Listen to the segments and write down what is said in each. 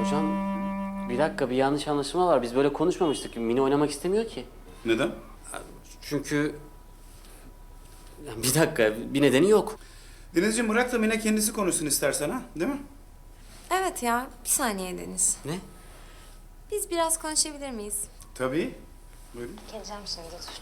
Hocam bir dakika, bir yanlış anlaşılma var. Biz böyle konuşmamıştık. Mine oynamak istemiyor ki. Neden? Çünkü... Ya bir dakika, bir nedeni yok. Denizciğim bırak da Mine kendisi konuşsun istersen ha, değil mi? Evet ya, bir saniye Deniz. Ne? Biz biraz konuşabilir miyiz? Tabii. Buyurun. Geleceğim şimdi, dur.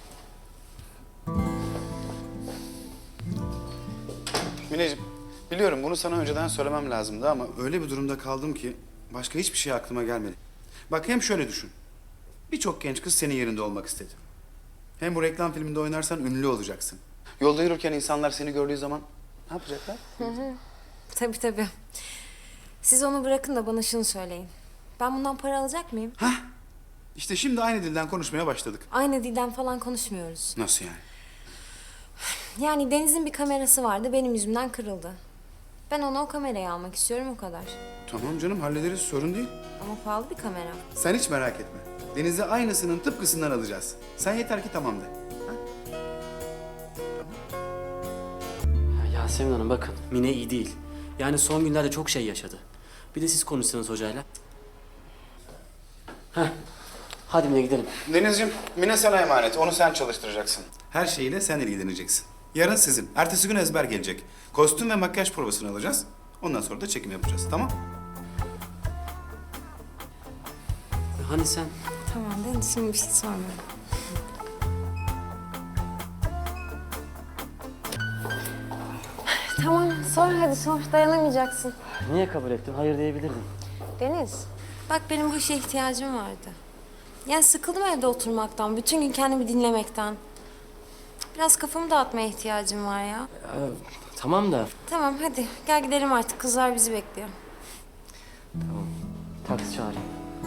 Mineciğim, biliyorum bunu sana önceden söylemem lazımdı ama öyle bir durumda kaldım ki başka hiçbir şey aklıma gelmedi. Bak hem şöyle düşün. Birçok genç kız senin yerinde olmak istedi. Hem bu reklam filminde oynarsan ünlü olacaksın. Yolda yürürken insanlar seni gördüğü zaman ne yapacaklar? Tabii tabii. Siz onu bırakın da bana şunu söyleyin. Ben bundan para alacak mıyım? Hah! İşte şimdi aynı dilden konuşmaya başladık. Aynı dilden falan konuşmuyoruz. Nasıl yani? Yani Deniz'in bir kamerası vardı, benim yüzümden kırıldı. Ben ona o kamerayı almak istiyorum, o kadar. Tamam canım hallederiz sorun değil. Ama pahalı bir kamera. Sen hiç merak etme. Deniz'e aynısının tıpkısından alacağız. Sen yeter ki tamam de. Ya Yasemin Hanım bakın, Mine iyi değil. Yani son günlerde çok şey yaşadı. Bir de siz konuşsanız hocayla. Heh. Hadi Mine gidelim. Denizciğim, Mine sana emanet. Onu sen çalıştıracaksın. Her şeyiyle sen ilgileneceksin. Yarın sizin. Ertesi gün ezber gelecek. Kostüm ve makyaj provasını alacağız. Ondan sonra da çekim yapacağız. Tamam? Hani sen? Tamam Deniz, şimdi bir şey sormuyorum. Tamam, sor hadi sor. Dayanamayacaksın. Niye kabul ettin? Hayır diyebilirdin. Deniz, bak benim bu işe ihtiyacım vardı. Yani sıkıldım evde oturmaktan, bütün gün kendimi dinlemekten. Biraz kafamı dağıtmaya ihtiyacım var ya. Tamam da. Tamam hadi gel gidelim artık, kızlar bizi bekliyor. Tamam. Taksi çağırayım.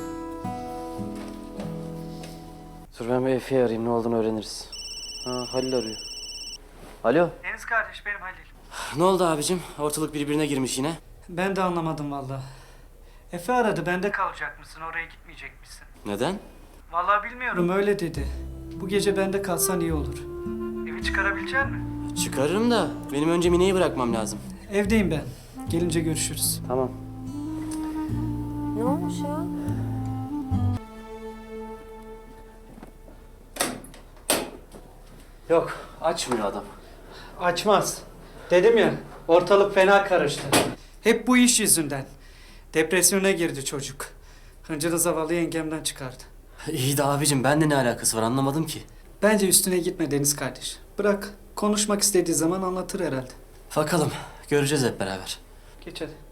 Dur ben bir Efe'yi arayayım, ne olduğunu öğreniriz. Ha, Halil arıyor. Alo. Deniz kardeş, benim Halil. Ne oldu abicim? Ortalık birbirine girmiş yine. Ben de anlamadım vallahi. Efe aradı, bende kalacak mısın, oraya gitmeyecek misin? Neden? Vallahi bilmiyorum, öyle dedi. Bu gece bende kalsan iyi olur. Evi çıkarabilecek misin? Çıkarırım da benim önce Mine'yi bırakmam lazım. Evdeyim ben. Gelince görüşürüz. Tamam. Ne olmuş ya? Yok, açmıyor adam. Açmaz. Dedim ya, ortalık fena karıştı. Hep bu iş yüzünden. Depresyona girdi çocuk. Hıncını zavallı yengemden çıkardı. İyi de abicim, bende ne alakası var anlamadım ki. Bence üstüne gitme Deniz kardeş. Bırak, konuşmak istediği zaman anlatır herhalde. Bakalım, göreceğiz hep beraber. Geç hadi.